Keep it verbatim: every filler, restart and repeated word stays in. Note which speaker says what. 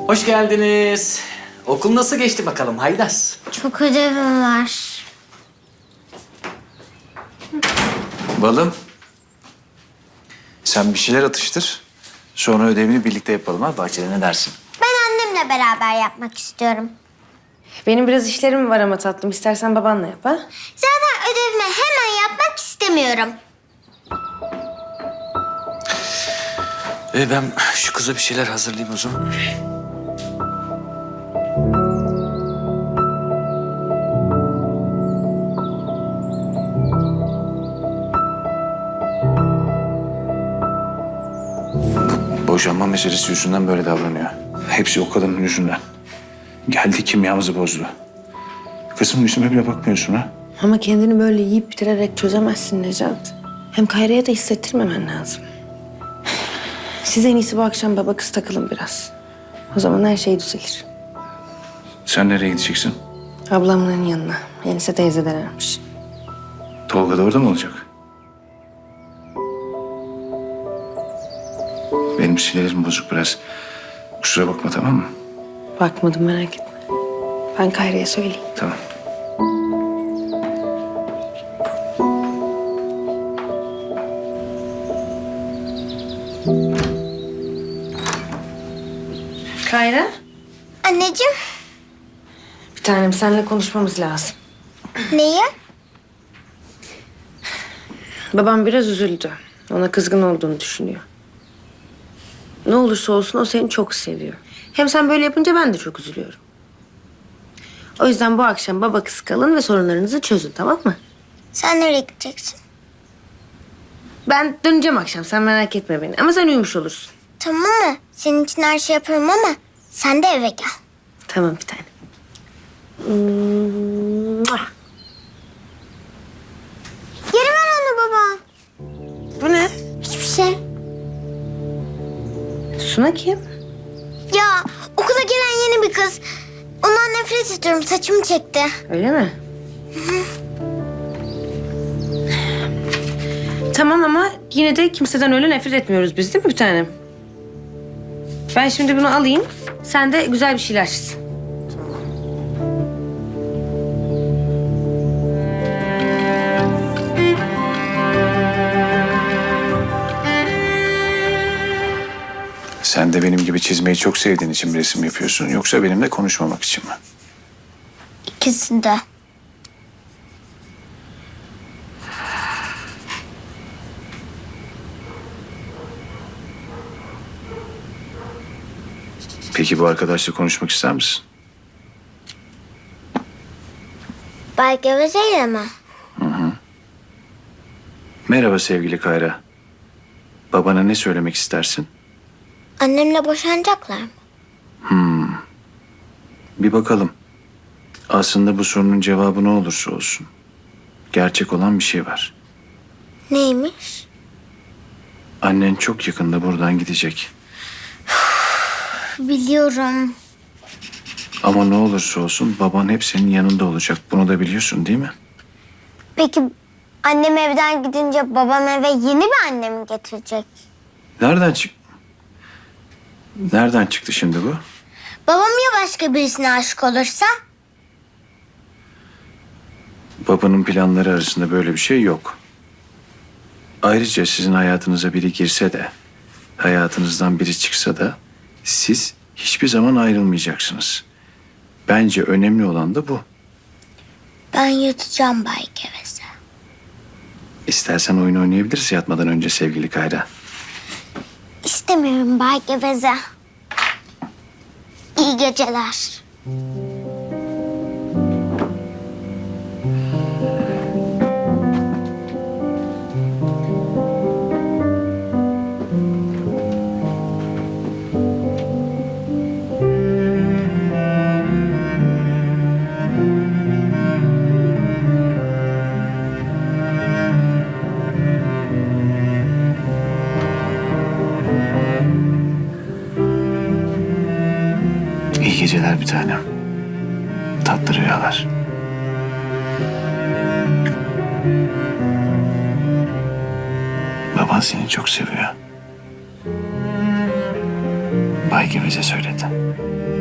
Speaker 1: Hoş geldiniz. Okul nasıl geçti bakalım Haydas?
Speaker 2: Çok ödevim var.
Speaker 3: Balım. Sen bir şeyler atıştır. Sonra ödevini birlikte yapalım ha. Bahçede ne dersin?
Speaker 2: Ben annemle beraber yapmak istiyorum.
Speaker 4: Benim biraz işlerim var ama tatlım. İstersen babanla yap ha.
Speaker 2: Zaten ödevimi hemen yapmak istemiyorum.
Speaker 3: Ee, ben şu kıza bir şeyler hazırlayayım o zaman. Bu boşanma meselesi yüzünden böyle davranıyor. Hepsi o kadının yüzünden. Geldi kimyamızı bozdu. Kızım yüzüme bile bakmıyorsun ha.
Speaker 4: Ama kendini böyle yiyip bitirerek çözemezsin Necat. Hem Kayra'ya da hissettirmemen lazım. Siz en iyisi bu akşam baba kız takılın biraz. O zaman her şey düzelir.
Speaker 3: Sen nereye gideceksin?
Speaker 4: Ablamların yanına. Yenise teyzelermiş.
Speaker 3: Tolga da orada mı olacak? Benim sinirlerim bozuk biraz. Kusura bakma, tamam mı?
Speaker 4: Bakmadım, merak etme. Ben Kayra'ya söyleyeyim.
Speaker 3: Tamam.
Speaker 4: Kayra?
Speaker 2: Anneciğim,
Speaker 4: Bir tanem, seninle konuşmamız lazım.
Speaker 2: neyi?
Speaker 4: Babam biraz üzüldü. Ona kızgın olduğunu düşünüyor. Ne olursa olsun o seni çok seviyor. Hem sen böyle yapınca ben de çok üzülüyorum. O yüzden bu akşam baba kız kalın ve sorunlarınızı çözün, tamam mı?
Speaker 2: Sen nereye gideceksin?
Speaker 4: Ben döneceğim akşam, sen merak etme beni. Ama sen uyumuş olursun.
Speaker 2: Tamam mı? Senin için her şey yapıyorum ama sen de eve gel.
Speaker 4: Tamam bir tane. Mua.
Speaker 2: Geri ver onu baba.
Speaker 4: Bu ne?
Speaker 2: Hiçbir şey.
Speaker 4: Suna kim?
Speaker 2: Ya okula gelen yeni bir kız. Ondan nefret ediyorum. Saçımı çekti.
Speaker 4: Öyle mi? Tamam ama yine de kimseden öyle nefret etmiyoruz biz, değil mi bir tanem? Ben şimdi bunu alayım. Sen de güzel bir şeyler çiz.
Speaker 3: Sen de benim gibi çizmeyi çok sevdiğin için bir resim yapıyorsun. Yoksa benimle konuşmamak için mi?
Speaker 2: İkisi de.
Speaker 3: Peki bu arkadaşla konuşmak ister misin?
Speaker 2: Bay Geveze'yle mi?
Speaker 3: Merhaba sevgili Kayra. Babana ne söylemek istersin?
Speaker 2: Annemle boşanacaklar mı?
Speaker 3: Bir bakalım. Aslında bu sorunun cevabı ne olursa olsun. Gerçek olan bir şey var.
Speaker 2: Neymiş?
Speaker 3: Annen çok yakında buradan gidecek.
Speaker 2: Biliyorum.
Speaker 3: Ama ne olursa olsun baban hep senin yanında olacak. Bunu da biliyorsun değil mi?
Speaker 2: Peki annem evden gidince babam eve yeni bir anne mi getirecek?
Speaker 3: Nereden çık... Nereden çıktı şimdi bu?
Speaker 2: Babam ya başka birisine aşık olursa?
Speaker 3: Babanın planları arasında böyle bir şey yok. Ayrıca sizin hayatınıza biri girse de, hayatınızdan biri çıksa da siz hiçbir zaman ayrılmayacaksınız. Bence önemli olan da bu.
Speaker 2: Ben yatacağım Bay Geveze.
Speaker 3: İstersen oyun oynayabiliriz yatmadan önce sevgili Kayra.
Speaker 2: İstemiyorum Bay Geveze. İyi geceler.
Speaker 3: İyi geceler bir tanem. Tatlı rüyalar. Baban seni çok seviyor. Bak Bay Geveze söyledi.